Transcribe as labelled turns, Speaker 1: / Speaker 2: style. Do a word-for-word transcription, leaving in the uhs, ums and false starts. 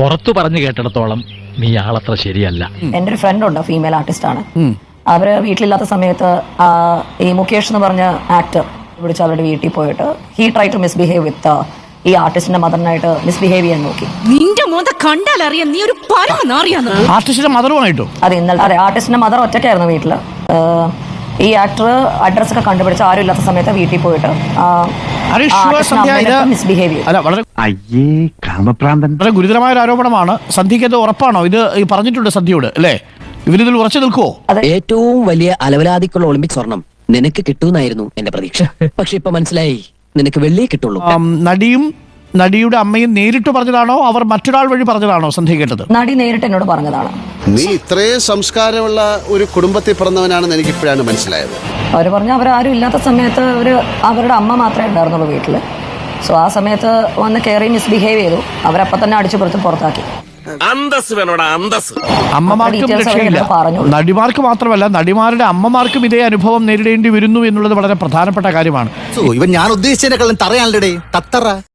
Speaker 1: പുറത്തു പറഞ്ഞു കേട്ടിടത്തോളം നീ ആളത്ര ശരിയല്ല.
Speaker 2: എൻ്റെ ഒരു ഫ്രണ്ട് ഉണ്ട്, ഫീമെയിൽ ആർട്ടിസ്റ്റ് ആണ്. അവര് വീട്ടിലില്ലാത്ത സമയത്ത് ആ, ഈ മുകേഷ് എന്ന് പറഞ്ഞ ആക്ടർ വിളിച്ച് അവരുടെ വീട്ടിൽ പോയിട്ട് he try to misbehave with ഈ ആർട്ടിസ്റ്റിന്റെ മദറിനായിട്ട് മിസ്ബിഹേവ് ചെയ്യാൻ നോക്കി.
Speaker 3: നിന്റെ മോന്ത കണ്ടാൽ അറിയാം നീ ഒരു പരമനാറിയാന്ന്.
Speaker 4: ആർട്ടിസ്റ്റിന്റെ മദറുമായിട്ടോ?
Speaker 2: അത് ഇന്നലെ അതെ, ആർട്ടിസ്റ്റിന്റെ മദർ ഒറ്റയ്ക്കായിരുന്നു വീട്ടില്. ഈ ആക്ടർ അഡ്രസ് ഒക്കെ കണ്ടുപിടിച്ച് ആരും ഇല്ലാത്ത സമയത്ത് വീട്ടിൽ പോയിട്ട് മിസ്ബിഹേവ് ചെയ്തു.
Speaker 4: അല്ല, വളരെ
Speaker 5: അയ്യേ കാമപ്രാന്തൻ.
Speaker 4: വളരെ ഗുരുതരമായ ഒരു ആരോപണമാണ്. സന്ധ്യയ്ക്ക് അത് ഉറപ്പാണോ? ഇത് ഈ പറഞ്ഞിട്ടുണ്ട് സന്ധ്യയോട് അല്ലേ? ഇവരിതിൽ ഉറച്ചു നിൽക്കുവോ?
Speaker 6: ഏറ്റവും വലിയ അലവലാതിക്കുള്ള ഒളിമ്പിക് സ്വർണം നിനക്ക് കിട്ടുമെന്നായിരുന്നു എന്റെ പ്രതീക്ഷ. പക്ഷെ ഇപ്പൊ മനസ്സിലായി നിനക്ക് വെള്ളിയേ കിട്ടുള്ളൂ.
Speaker 4: നടിയും നടിയുടെ അമ്മയും നേരിട്ട് പറഞ്ഞതാണോ അവർ മറ്റൊരാൾ വഴി പറഞ്ഞതാണോ സന്ധ്യ കേട്ടത്?
Speaker 2: നടി നേരിട്ട് എന്നോട് പറഞ്ഞതാണ്.
Speaker 7: നീ ഇത്രയും സംസ്കാരമുള്ള ഒരു കുടുംബത്തിൽ പിറന്നവനാണെന്ന് എനിക്ക് ഇപ്പോഴാണ് മനസ്സിലായത്.
Speaker 2: അവർ പറഞ്ഞു അവരാരും ഇല്ലാത്ത സമയത്ത് ഒരു അവരുടെ അമ്മ മാത്രമേ ഉണ്ടായിരുന്നുള്ളൂ വീട്ടിൽ. സോ ആ സമയത്ത് വന്ന് കയറി മിസ്ബിഹേവ് ചെയ്തു. അവരപ്പം തന്നെ അടിച്ചു പുറത്ത് പുറത്താക്കി.
Speaker 4: അമ്മമാർക്കും രക്ഷയില്ല. നടിമാർക്ക് മാത്രമല്ല, നടിമാരുടെ അമ്മമാർക്കും ഇതേ അനുഭവം നേരിടേണ്ടി വരുന്നു എന്നുള്ളത് വളരെ പ്രധാനപ്പെട്ട കാര്യമാണ്.
Speaker 5: ഇവൻ ഞാൻ ഉദ്ദേശിച്ചതിനെക്കാളും തറയാണല്ലേ തത്തറ.